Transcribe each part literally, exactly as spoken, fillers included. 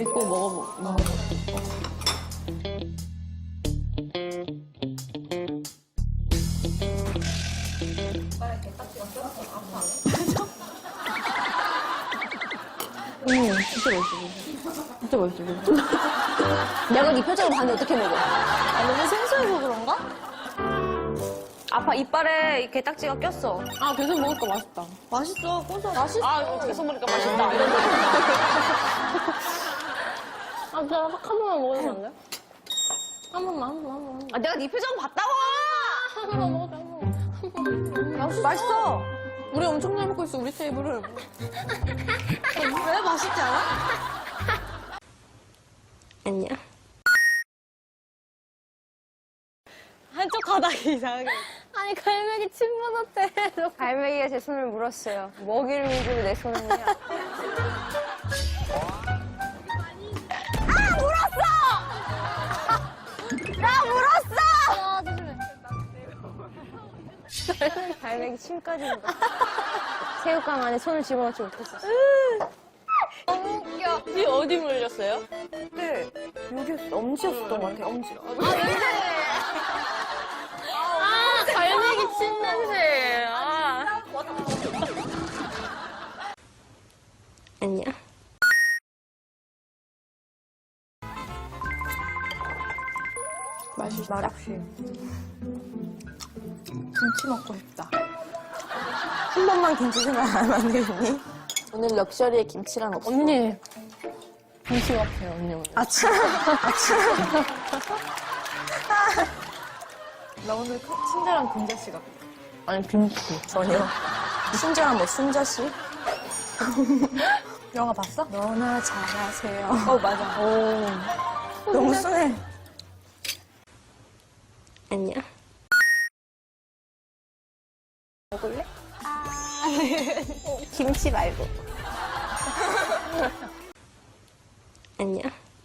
우리 꼭 먹어보, 먹어. 음, 진짜 맛있어. 진짜 맛있어. 내가 네 표정을 봤는데 어떻게 먹어? 아, 너무 생소해서 그런가? 아빠 이빨에 이 게딱지가 꼈어. 아, 계속 먹으니까 맛있다. 맛있어, 고소. 맛있어. 아, 이거 계속 먹으니까 맛있다. 아, 제가 딱 한 번만 먹으면 안 돼? 한 번만, 한 번만, 한 번만. 아, 내가 네 표정 봤다고! 한 번만 먹어줘, 한 번만. 한 번만. 맛있어. 맛있어. 우리 엄청 잘 먹고 있어, 우리 테이블을. 왜 맛있지 않아? 아니야. 한쪽 가닥이 이상하게. 아니, 갈매기 침 묻었대. 갈매기가 제 손을 물었어요. 먹이를 위주로 내 손은요. 아, 물었어! 나 물었어! 아, 조심해. 갈매기 침까지 물었어. 새우깡 안에 손을 집어넣지 못했었어. 너무 웃겨. 이 어디 물렸어요? 네, 여기 엄지였었던 것 같아, 엄지. 아, 갈매기 침 냄새. 아. 아니야. 맛있다. 맛없이. 김치 먹고 싶다. 한 번만 김치 생각 안 하면 되겠니? 오늘 럭셔리에 김치란 없어. 언니. 김치 같아요, 언니 오늘. 아침. 아침. 나 오늘 친절한 금자씨 같아. 아니, 김치. 전혀. 친절한 뭐 순자씨? 영화 봤어? 너나 잘하세요. 어, 맞아. 오. 너무 순해. 아니야. 먹을래? 김치 말고. 아니야.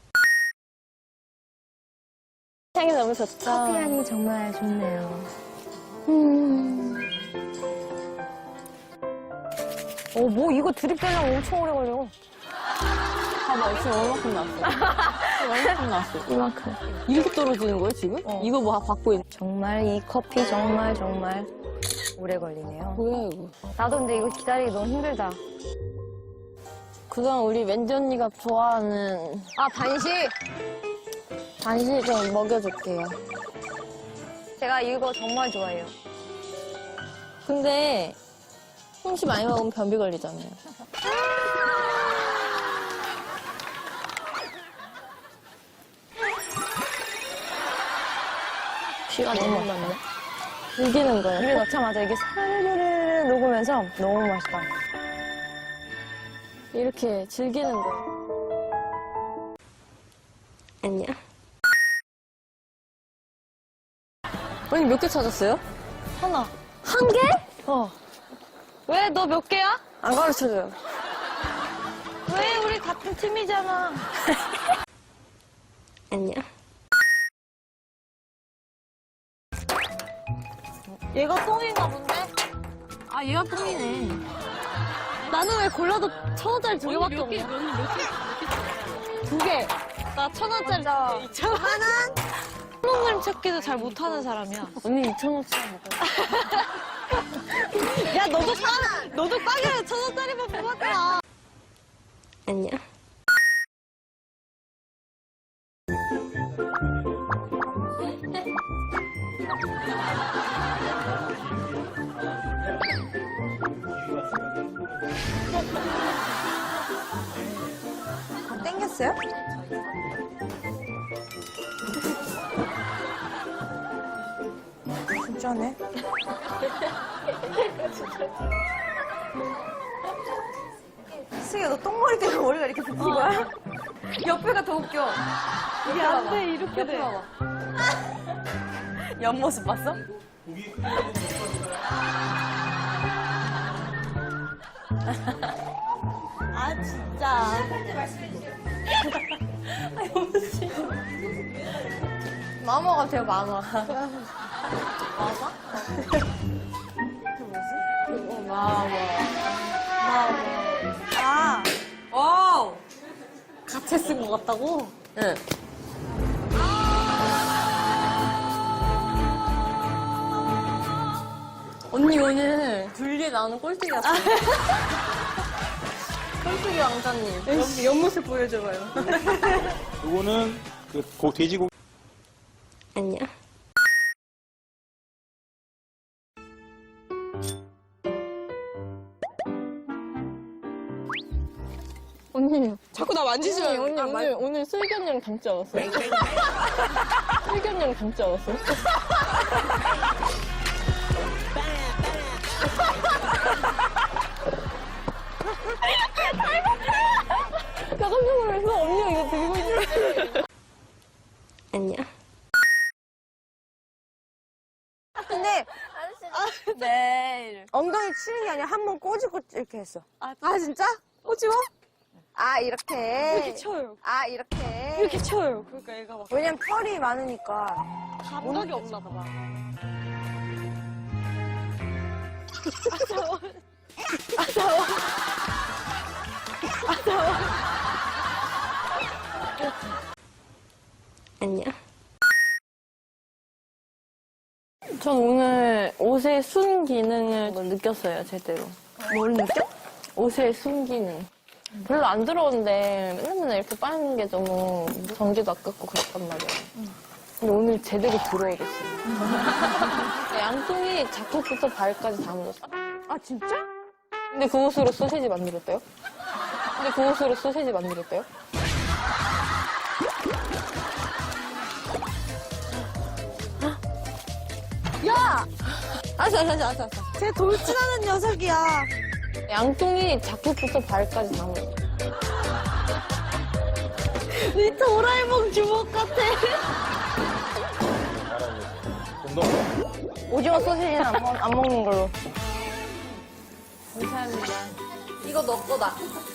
향이 너무 좋다. 커피 향이 정말 좋네요. 음. 어, 뭐 이거 드립되려면 엄청 오래 걸려. 봐봐, 지금 얼마큼 나왔어? 얼마큼 나왔어? 이만큼. 이렇게 떨어지는 거예요, 지금? 어. 이거 뭐 받고 있는 정말 이 커피 정말 정말 오래 걸리네요. 뭐야, 이거? 나도 근데 이거 기다리기 너무 힘들다. 그동안 우리 왠지 언니가 좋아하는 아, 반식! 간식 좀 먹여줄게요. 제가 이거 정말 좋아해요. 근데 홍시 많이 먹으면 변비 걸리잖아요. 비가 너무 많네. 즐기는 거예요. 입에 넣자마자 이게 사르르르 녹으면서 너무 맛있다. 이렇게 즐기는 거예요. 아니야. 언니 몇 개 찾았어요? 하나. 한 개? 어. 왜? 너 몇 개야? 안 가르쳐줘요. 왜? 우리 같은 팀이잖아. 아니야. 얘가 똥인가 본데? 아, 얘가 똥이네. 나는 왜 골라도 천 원짜리 두 개밖에 없냐? 두 개. 나 천 원짜리 이천 원. 하나? 천 원 그림 찾기도 잘 못하는 사람이야. 언니 이천 원짜리 먹어. 야, 너도 빠, 너도 빠게 천 원짜리만 뽑았잖아. 아니야. 땡겼어요? 진짜네. 승희야, 너 똥머리 때문에 머리가 이렇게 붙은 거야? 옆에가 더 웃겨. 이게 안 돼, 이렇게 돼. 옆모습 봤어? 아, 진짜. 마마 같아요, 마마. 마마? 어, 마마. 마마. 아, 오! 부채 쓴 것 같다고? 응. 언니 오늘 둘리 나오는 꼴뚜기 같아. 꼴뚜기 왕자님. 옆, 옆모습 보여줘봐요. 요거는 그 고, 돼지고기. 아니야. 언니. 자꾸 나 만지지 언니, 말고. 언니, 아, 오늘, 오늘 슬견이랑 닮지 않았어요? 슬견이랑 닮지 않았어요? 나 깜짝 놀랐어. 언니가 이거 들고 있는데. 아니야. 근데 네. 엉덩이 치는 게 아니라 한 번 꼬집고 이렇게 했어. 아, 진짜? 꼬집어? 아, 이렇게. 이렇게 쳐요. 아, 이렇게. 이렇게 쳐요. 그러니까 얘가 막 왜냐면 털이 많으니까. 감각이 없나 봐. 아니야. 전 오늘 옷의 순 기능을 느꼈어요, 제대로. 뭘 느껴? 옷의 순 기능. 별로 안 들어오는데 맨날 맨날 이렇게 빠는 게 너무 전기도 아깝고 그랬단 말이에요. 근데 오늘 제대로 들어오겠어요. 양쪽이 자켓부터 발까지 다 묻었어. 아, 진짜? 근데 그 옷으로 소세지 만들었대요? 근데 그 옷으로 소세지 만들었대요? 야! 알았어, 알았어, 알았어. 알았어. 쟤 돌진하는 녀석이야. 양쪽이 자켓부터 발까지 다 묻었어. 이 도라에몽 주먹 같아. 좀더 오징어 소시지는 안, 먹, 안 먹는 걸로. 감사합니다. 이거 너 거다.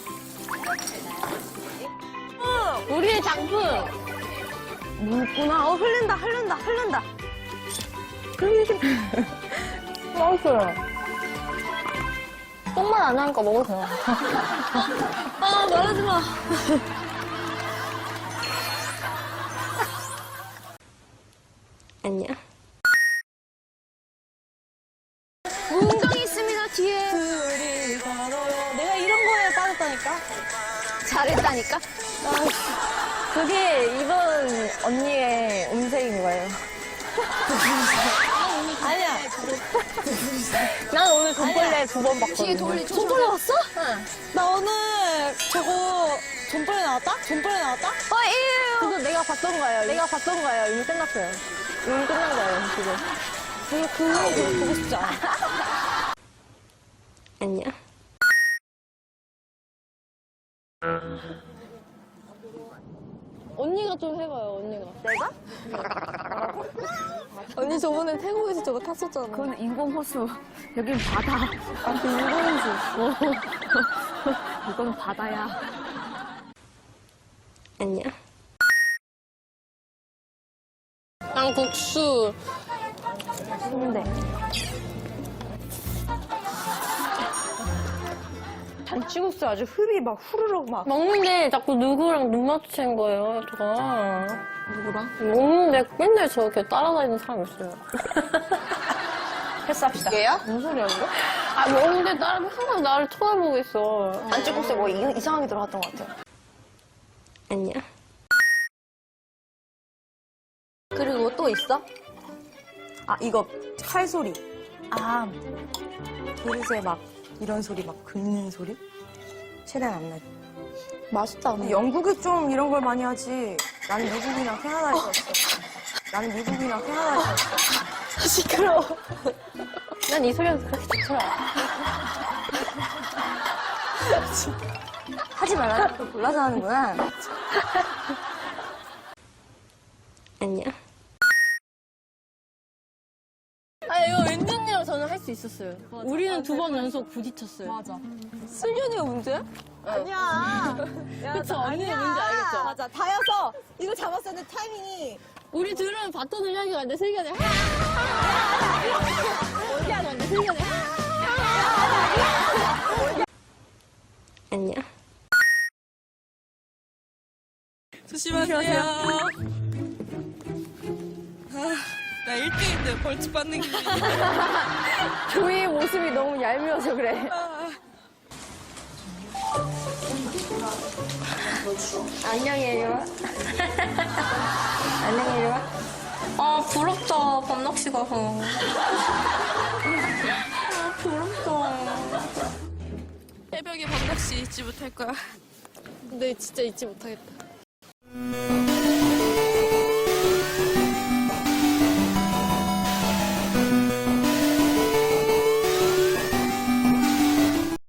우리의 작품! 묻구나. 어, 흐른다, 흐른다, 흐른다. 맛있어요. 똥만 안 나니까 먹어도 돼요. 아, 말하지 마. 아니야. 문경이 있습니다, 뒤에. 내가 이런 거에 빠졌다니까? 잘했다니까? 그게 이번 언니의 음색인 거예요. 아니야. 난 오늘 돈벌레 두 번 봤거든. 돈벌레 왔어? 나 오늘 저거 돈벌레 나왔다? 돈벌레 나왔다? 어, 이에요. 그거 내가 봤던 거예요. 내가 봤던 거예요. 이미 끝났어요. 이미 끝난 거예요, 지금. 별로 그거 별로 보고 싶지 않아. 아니야. 언니가 좀 해봐요, 언니가. 내가? 언니 저번에 태국에서 저거 탔었잖아. 그건 인공호수. 여긴 바다. 아, 그 인공수. 이건 바다야. 아니야. 난 국수. 근데. 잔치국수 아주 흡이 막 후루룩 막. 먹는데 자꾸 누구랑 눈 마주치는 거예요, 제가. 누구랑? 먹는데 맨날 저렇게 따라다니는 사람 있어요. 패스합시다. 얘야? 무슨 소리야, 이거? 아, 먹는데 따라, 항상 나를 쳐다보고 있어. 잔치국수에 뭐 이, 이상하게 들어갔던 것 같아요. 아니야. 그리고 또 있어? 아, 이거 칼 소리. 아, 그릇에 막 이런 소리 막 긁는 소리? 최대한 안 나게. 맛있다. 영국이 좀 이런 걸 많이 하지. 나는 미국이나 캐나다에서 왔어. 나는 미국이나 캐나다에서 왔어. 시끄러워. 난 이 소리가 그렇게 좋더라. 하지 말라. 또 골라서 하는구나. 아니야. 아, 이거 왠지 언니랑 저는 할 수 있었어요. 우리는 두 번 연속 부딪혔어요. 맞아. 슬기언니가 문제야? 아니야. 그쵸? 언니는 뭔지 알겠죠? 맞아. 다여서 이거 잡았었는데 타이밍이 우리 둘은 바톤을 향해 갔는데 슬기언니 어디 하는 건데 슬기언니 아니야. 조심하세요. 아, 나 일 등인데 벌칙 받는 기분이. 조이의 모습이 너무 얄미워서 그래. 안녕해요. 안녕해요. 아, 부럽다. 밤낚시 가서. 아, 부럽다. 새벽에 밤낚시 잊지 못할 거야. 근데 진짜 잊지 못하겠다.